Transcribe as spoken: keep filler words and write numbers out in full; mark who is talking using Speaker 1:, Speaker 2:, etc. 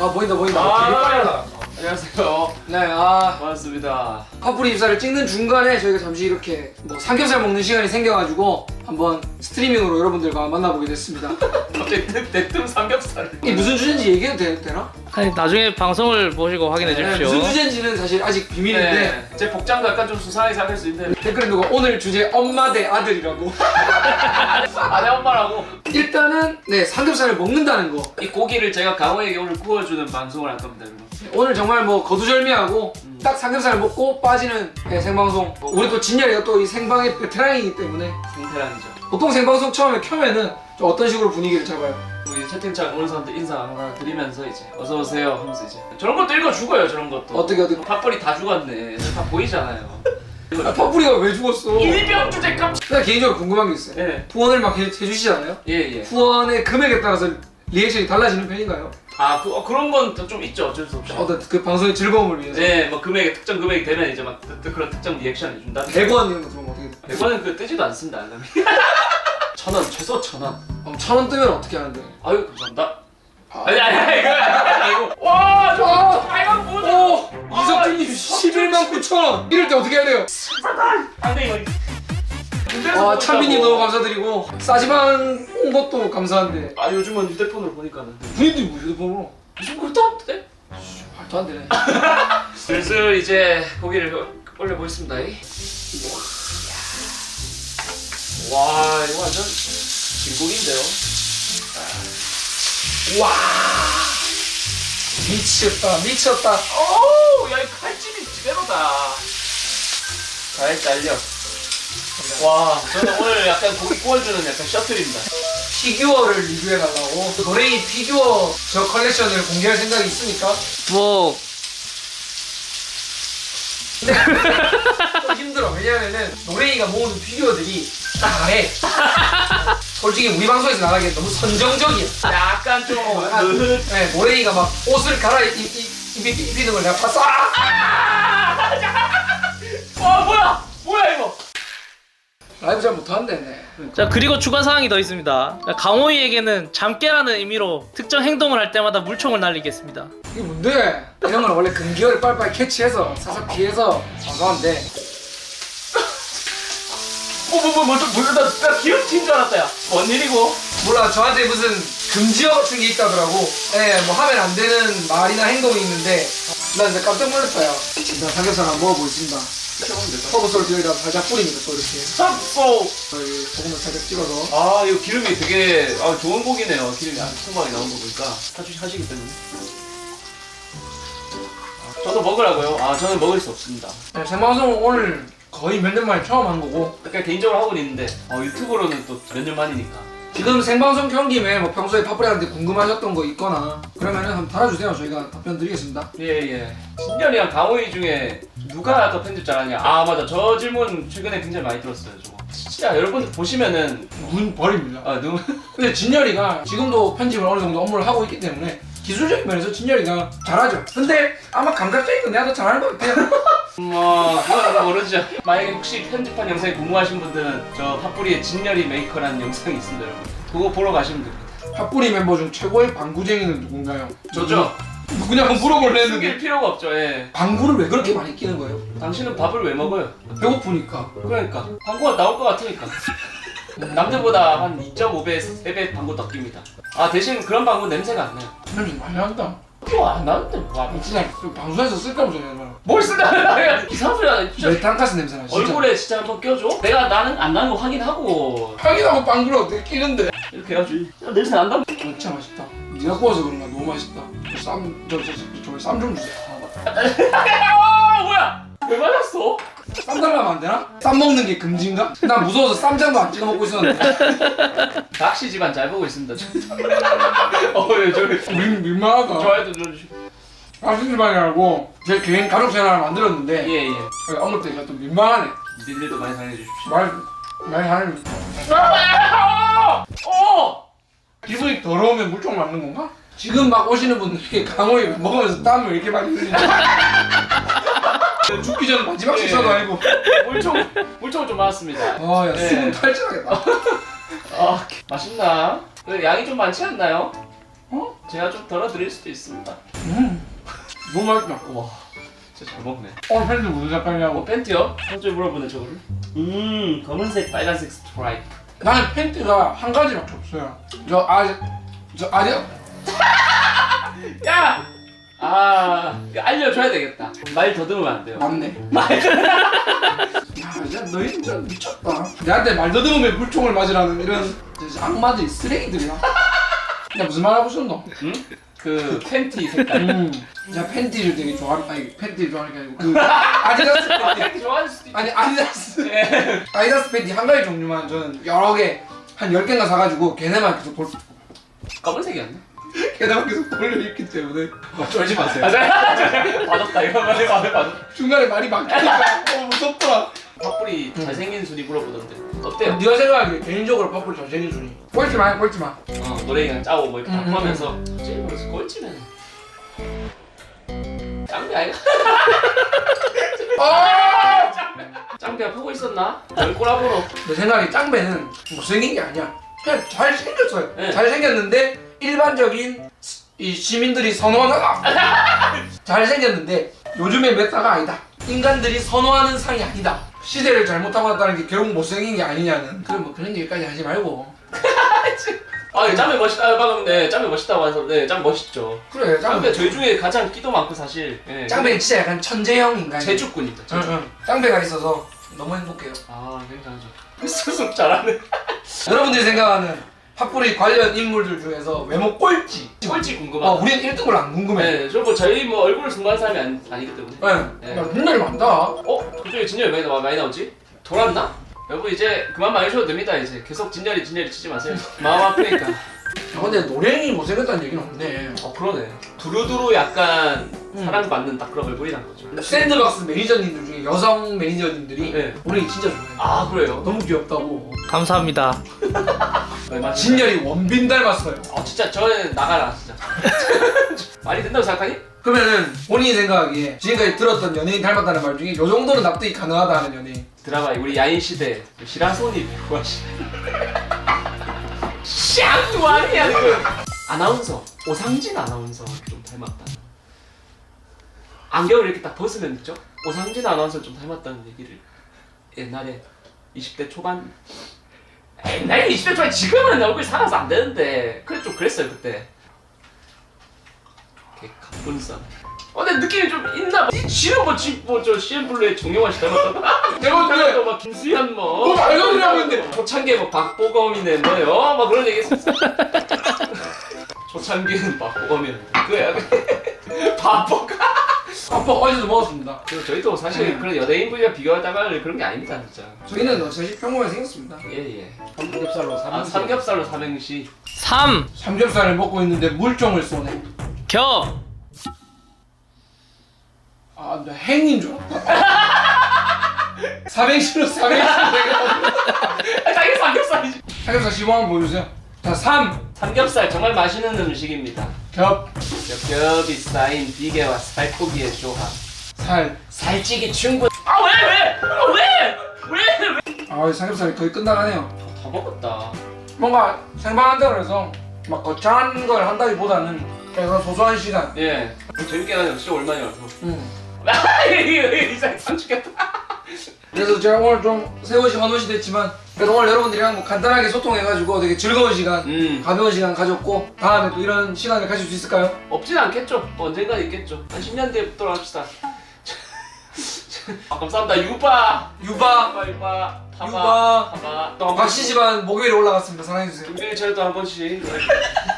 Speaker 1: 아 보인다 보인다.
Speaker 2: 아,
Speaker 1: 되게 빨라.
Speaker 2: 안녕하세요.
Speaker 1: 네, 아
Speaker 2: 반갑습니다.
Speaker 1: 파뿌리 입사를 찍는 중간에 저희가 잠시 이렇게 뭐 삼겹살 먹는 시간이 생겨가지고 한번 스트리밍으로 여러분들과 만나보게 됐습니다.
Speaker 2: 갑자기 대뜸 삼겹살.
Speaker 1: 이게 무슨 주제인지 얘기해도 되, 되나?
Speaker 3: 아니 나중에 방송을 보시고 확인해
Speaker 1: 네,
Speaker 3: 주십시오.
Speaker 1: 무슨 주제인지는 사실 아직 비밀인데
Speaker 2: 네. 제 복장도 약간 좀 수상하게 생각할 수 있는데
Speaker 1: 댓글에 누가 오늘 주제 엄마 대 아들이라고.
Speaker 2: 아내 엄마라고.
Speaker 1: 일단은 네 삼겹살을 먹는다는 거.
Speaker 2: 이 고기를 제가 강호에게 오늘 구워주는 방송을 할 겁니다. 여러분.
Speaker 1: 오늘 정말 뭐 거두절미하고
Speaker 2: 음.
Speaker 1: 딱 삼겹살 먹고 빠지는 네, 생방송. 우리 또 진열이가 또 이 생방의 베테랑이기 때문에
Speaker 2: 성태란이죠.
Speaker 1: 보통 생방송 처음에 켜면은 좀 어떤 식으로 분위기를 잡아요?
Speaker 2: 우리 채팅창 오는 사람들 인사 하나 드리면서 이제 어서 오세요 하면서 이제 저런 것도 읽어 죽어요. 저런 것도.
Speaker 1: 어떻게 어떻게?
Speaker 2: 팥벌이 다 죽었네. 다 보이잖아요.
Speaker 1: 아, 파뿌리가 왜 죽었어?
Speaker 2: 일병 주제 깜짝.
Speaker 1: 나 개인적으로 궁금한 게 있어요.
Speaker 2: 예.
Speaker 1: 후원을 막 해, 해주시잖아요.
Speaker 2: 예 예.
Speaker 1: 후원의 금액에 따라서 리액션이 달라지는 편인가요?
Speaker 2: 아 그, 어, 그런 건 좀 있죠. 어쩔 수 없이.
Speaker 1: 어떤 그 방송의 즐거움을 위해서.
Speaker 2: 네, 뭐 금액이 특정 금액이 되면 이제 막 그, 그, 그런 특정 리액션을 준다.
Speaker 1: 백 원 이런 거 들어오면 어떻게 돼?
Speaker 2: 백 원은 그 뜨지도 않습니다. 알람이. 천 원, 최소 천 원.
Speaker 1: 어, 천 원 뜨면 어떻게 하는데?
Speaker 2: 아유 감사합니다.
Speaker 1: 아.
Speaker 2: 아니 아니 아니 이거 아니고. 와, 저
Speaker 1: 아.
Speaker 2: 빨간 보드.
Speaker 1: 오!
Speaker 2: 아,
Speaker 1: 이석준님 십일만 구천 원! 이럴 때 어떻게 해야 돼요?
Speaker 2: 안돼 이거.
Speaker 1: 와 찬빈님 너무 감사드리고 싸지만 온 것도 감사한데
Speaker 2: 아 요즘은 휴대폰으로 보니까는
Speaker 1: 본인들이 뭐 휴대폰으로
Speaker 2: 무슨 것도 없대.
Speaker 1: 말도 안 되네.
Speaker 2: 슬슬 이제 고기를 올려 보겠습니다. 와 이거 완전 진국인데요.
Speaker 1: 와 미쳤다 미쳤다.
Speaker 2: 오우 야이 칼집이 제대로다. 잘 잘려. 와 저는 오늘 약간 고기 구워주는 약간 셔틀입니다.
Speaker 1: 피규어를 리뷰해달라고 노래이 피규어 저 컬렉션을 공개할 생각이 있으니까
Speaker 3: 뭐
Speaker 1: 근데 좀 힘들어. 왜냐면은 노래이가 모으는 피규어들이 다해. 솔직히 우리 방송에서 나가기엔 너무 선정적이야.
Speaker 2: 약간 좀
Speaker 1: 어, 약간,
Speaker 2: 느긋.
Speaker 1: 네, 모래이가 막 옷을 갈아입히는 걸 내가 봤어. 아!
Speaker 2: 와 뭐야 뭐야 이거.
Speaker 1: 라이브 잘 못하는데. 네.
Speaker 3: 자 그리고 추가 사항이 더 있습니다. 자, 강호이에게는 잠깨라는 의미로 특정 행동을 할 때마다 물총을 날리겠습니다.
Speaker 1: 이게 뭔데? 이런 건 원래 금기어를 빨리빨리 캐치해서 사삭 피해서 방송하는데.
Speaker 2: 어뭐뭐 먼저 뭐나 나 기름진 줄 알았다 야. 뭔 일이고?
Speaker 1: 몰라 저한테 무슨 금지어 같은 게 있다더라고. 예, 뭐 하면 안 되는 말이나 행동이 있는데 나 진짜 깜짝 놀랐어요. 자 삼겹살 한번 먹어보겠습니다. 허브 솔트 여기다 살짝 뿌립니다. 또 이렇게
Speaker 2: sab소.
Speaker 1: 여기 소금을 살짝 찍어서.
Speaker 2: 아 이거 기름이 되게 아, 좋은 고기네요. 기름이 아주 풍부하게 나온 거 보니까 하시, 하시기 때문에. 아, 저도 먹으라고요? 아 저는 먹을 수 없습니다.
Speaker 1: 네, 생방송 오늘 거의 몇 년 만에 처음 한 거고
Speaker 2: 약간 개인적으로 하고는 있는데 어, 유튜브로는 또 몇 년 만이니까.
Speaker 1: 지금 생방송 켠 김에 뭐 평소에 파뿌리한테 궁금하셨던 거 있거나 그러면은 한번 달아주세요. 저희가 답변 드리겠습니다.
Speaker 2: 예예. 신년이랑 강호이 중에 누가 더 편집 잘하냐? 아 맞아 저 질문 최근에 굉장히 많이 들었어요. 저거. 진짜 여러분들 보시면은
Speaker 1: 눈 버립니다.
Speaker 2: 아 눈.
Speaker 1: 근데 진열이가 지금도 편집을 어느 정도 업무를 하고 있기 때문에 기술적인 면에서 진열이가 잘하죠. 근데 아마 감각적인 건 내가 더 잘하는 것 같아요.
Speaker 2: 뭐 그건 모르죠. 만약에 혹시 편집한 영상에 궁금하신 분들은 저 팥뿌리의 진열이 메이커라는 영상이 있습니다 여러분. 그거 보러 가시면 됩니다.
Speaker 1: 팥뿌리 멤버 중 최고의 방구쟁이는 누군가요?
Speaker 2: 저죠?
Speaker 1: 누구냐 한번 물어볼래
Speaker 2: 숨길
Speaker 1: 했는데
Speaker 2: 필요가 없죠. 예.
Speaker 1: 방구를 왜 그렇게 많이 끼는 거예요?
Speaker 2: 당신은 밥을 왜 먹어요?
Speaker 1: 배고프니까.
Speaker 2: 그러니까 방구가 나올 것 같으니까. 남들보다 한 이 점 오 배, 세 배 방구 더 낍니다. 아 대신 그런 방구 냄새가 안 나요.
Speaker 1: 진열이 많이 한다.
Speaker 2: 이거 안 나는데 뭐 하면.
Speaker 1: 진짜 그 방송에서 쓸데없어 얘는.
Speaker 2: 뭘 쓰나? 이상한 소리 하네. 진짜
Speaker 1: 메탄가스 냄새나 진짜.
Speaker 2: 얼굴에 진짜 한번 껴줘. 내가 나는 안 나는 거 확인하고
Speaker 1: 확인하고 빵구를 어떻게 끼는데?
Speaker 2: 이렇게 해가지고 야, 냄새 난다.
Speaker 1: 진짜 맛있다. 네가 구워서 그런가 너무 맛있다. 쌈, 저, 저, 저, 저, 쌈 좀 주세요.
Speaker 2: 아 뭐야? 왜 맞았어?
Speaker 1: 쌈 달라면 안 되나? 쌈 먹는 게 금지인가? 난 무서워서 쌈장도 안 찍어 먹고 있었는데.
Speaker 2: 낚시 집안 잘 보고 있습니다. 어예 저기
Speaker 1: 민, 민망하다.
Speaker 2: 좋아요도 눌러주시고.
Speaker 1: 아시지만이라고 제 개인 가족 채널을 만들었는데
Speaker 2: 예예.
Speaker 1: 어느 때가 또 민망하네.
Speaker 2: 니들도 많이 사랑해 주십시오.
Speaker 1: 말, 말 하는
Speaker 2: 어!
Speaker 1: 기분이 더러우면 물총 맞는 건가? 지금 막 오시는 분들이 강호이 먹으면서 땀을 이렇게 많이 흘리는 죽기 전에 마지막
Speaker 2: 예.
Speaker 1: 식사도 아니고.
Speaker 2: 물총 물총 좀 맞았습니다.
Speaker 1: 아야
Speaker 2: 네.
Speaker 1: 수분 탈출하겠다.
Speaker 2: 아 맛있나? 그 양이 좀 많지 않나요?
Speaker 1: 어?
Speaker 2: 제가 좀 덜어드릴 수도 있습니다.
Speaker 1: 음. 너무 맛있다.
Speaker 2: 와, 진짜 잘 먹네.
Speaker 1: 어, 팬츠 무슨 색깔이냐고.
Speaker 2: 어, 팬티요? 먼저 물어보네 저거를. 음, 검은색, 빨간색 스트라이프.
Speaker 1: 나는 팬티가 한 가지밖에 없어요. 저 아직 저 아직
Speaker 2: 야! 아, 이거 알려줘야 되겠다. 말 더듬으면 안 돼요.
Speaker 1: 맞네. 야, 진짜 너희 진짜 미쳤다. 내한테 말 더듬으면 물총을 맞으라는 이런 진짜 악마들이 쓰레기들이야. 야 무슨 말 하고 싶노?
Speaker 2: 응? 그 팬티 색깔.
Speaker 1: 음. 제가 팬티를 되게 좋아하는 아니 팬티를 좋아하는 게 아니고 그 아디다스 팬티.
Speaker 2: 팬티 좋아할 수도 있
Speaker 1: 아니 아디다스
Speaker 2: 예.
Speaker 1: 아디다스 팬티 한 가지 종류만 저는 여러 개 한 열 개인가 사가지고 걔네만 계속 돌
Speaker 2: 검은색이었네.
Speaker 1: 걔네만 계속 돌려 입기 때문에
Speaker 2: 쫄지 마세요. 아, 자, 받았다. 이거 말해, 받았다. 받았다.
Speaker 1: 중간에 말이 막히니까 너무 무섭더라.
Speaker 2: 팝불이 잘생긴 순위 물어보던데. 어때요?
Speaker 1: 네가 생각하기에 개인적으로 퍼플 잘생긴 순이 꼴찌 마 꼴찌 마.
Speaker 2: 어, 노래 그냥 짜고 뭐 이렇게
Speaker 1: 음,
Speaker 2: 다 포함해서 제일 뭐지 꼴찌면 짱배 아이가?
Speaker 1: 아!
Speaker 2: 짱배가 보고 있었나? 널 꼬라보러.
Speaker 1: 내 생각에 짱배는 못생긴 게 아니야. 그냥 잘생겼어요.
Speaker 2: 네.
Speaker 1: 잘생겼는데 일반적인 시- 이 시민들이 선호하는 잘생겼는데 요즘의 메타가 아니다. 인간들이 선호하는 상이 아니다. 시대를 잘못하고 왔다는 게 결국 못생긴 게 아니냐는. 그래 뭐 그런 얘기까지 하지 말고.
Speaker 2: 아, 짱배 멋있다. 방금 네, 짱배 멋있다고 해서 네, 짱 멋있죠.
Speaker 1: 그래
Speaker 2: 짱배
Speaker 1: 짱배.
Speaker 2: 저희 중에 가장 끼도 많고 사실. 네.
Speaker 1: 짱배는 진짜 약간 천재형 인간.
Speaker 2: 제주꾼이다.
Speaker 1: 응,
Speaker 2: 제주.
Speaker 1: 응. 짱배가 있어서 너무 행복해요.
Speaker 2: 아, 굉장하죠. 수습 잘하네.
Speaker 1: 여러분들이 생각하는 팝뿌리 관련 인물들 중에서 외모 꼴찌.
Speaker 2: 꼴찌 궁금하다.
Speaker 1: 어, 우리는 일 등을 안 궁금해.
Speaker 2: 네, 저뭐 저희 뭐 얼굴을 승부하는 사람이 아니, 아니기 때문에.
Speaker 1: 네.
Speaker 2: 네.
Speaker 1: 야, 눈열이 많다.
Speaker 2: 어? 그중에 진열이 많이, 나- 많이 나오지? 돌았나? 여러분 이제 그만 많이 쉬어도 됩니다. 이제 계속 진열이 진열이 치지 마세요. 마음 아프니까.
Speaker 1: 아, 근데 노랭이 못생겼다는 얘기는 없네.
Speaker 2: 어 그러네. 두루두루 약간
Speaker 1: 음.
Speaker 2: 사랑받는 딱 그런 얼굴이란 거죠.
Speaker 1: 샌드박스 매니저님들 중에 여성 매니저님들이
Speaker 2: 네.
Speaker 1: 노랭이 진짜 좋아해.
Speaker 2: 아 그래요?
Speaker 1: 너무 귀엽다고.
Speaker 3: 감사합니다.
Speaker 2: 얼마
Speaker 1: 진열이 원빈 닮았어요.
Speaker 2: 아 진짜 저는 나가라 진짜. 말이 된다고 생각하니?
Speaker 1: 그러면은 본인이 생각하기에 지금까지 들었던 연예인 닮았다는 말 중에 요 정도는 납득이 가능하다 하는 연예인.
Speaker 2: 드라마 우리 야인 시대 시라소니 배우하시. 샹 아니야 그 아나운서 오상진 아나운서 좀 닮았다. 안경을 이렇게 딱 벗으면 있죠? 오상진 아나운서 좀 닮았다는 얘기를 옛날에 이십 대 초반 옛날에 이십 대 초반 지금은 얼굴 살아서 안 되는데 그래 좀 그랬어요 그때. 이렇게 가뿐싸. 어, 근데 느낌이 좀 있나 봐. 지금 뭐, 지, 뭐, 저, 씨엠블루의 정영환 씨 닮았다.
Speaker 1: 내가 근데
Speaker 2: 또 막, 김수현 뭐.
Speaker 1: 뭐 말도 안 했는데.
Speaker 2: 초창기에 뭐, 박보검이네, 뭐요? 막 그런 얘기 했었어. 초창기는 박보검이었는데. 그거야. 박보검.
Speaker 1: 아빠 어제도 먹었습니다.
Speaker 2: 그리고 저희도 사실 그런 연예인분이랑 비교하다가 그런 게 아닙니다, 진짜.
Speaker 1: 저희는 사실 평범하게 생겼습니다.
Speaker 2: 예, 예.
Speaker 1: 삼겹살로
Speaker 2: 아, 삼겹살로 삼행시.
Speaker 3: 삼.
Speaker 1: 삼겹살을 먹고 있는데 물종을 쏘네.
Speaker 3: 겨.
Speaker 1: 아, 나 행인 줄 알았다. 삼행시로 삼행시 내가
Speaker 2: 당연히 삼겹살이지.
Speaker 1: 삼겹살 시범 한번 보여주세요. 자, 삼,
Speaker 2: 삼겹살 정말 맛있는 음식입니다.
Speaker 1: 겹,
Speaker 2: 겹겹이 쌓인 비계와 살코기의 조합.
Speaker 1: 살.
Speaker 2: 살찌기 충분. 아 왜 왜? 아, 왜? 왜? 왜?
Speaker 1: 아, 삼겹살이 거의 끝나가네요.
Speaker 2: 다 먹었다.
Speaker 1: 뭔가 생방한다고 해서 막 거창한 걸 한다기보다는 그냥 소소한 시간.
Speaker 2: 예. 재밌게 하는 진짜 오랜만이라서.
Speaker 1: 음.
Speaker 2: 이상 상추겠다.
Speaker 1: 그래서 제가 오늘 좀 세월이 환호시 됐지만 그래도 오늘 여러분들이랑 뭐 간단하게 소통해가지고 되게 즐거운 시간,
Speaker 2: 음.
Speaker 1: 가벼운 시간 가졌고 다음에 또 이런 시간을 가질 수 있을까요?
Speaker 2: 없진 않겠죠. 언젠가 있겠죠. 한 십 년 뒤에 또 합시다. 아, 감사합니다. 유바.
Speaker 1: 유바,
Speaker 2: 유바 유바. 파바.
Speaker 1: 유바.
Speaker 2: 파바. 또 한
Speaker 1: 박씨 집안 목요일에 올라갔습니다. 사랑해주세요.
Speaker 2: 김준일 차례도 한 번씩.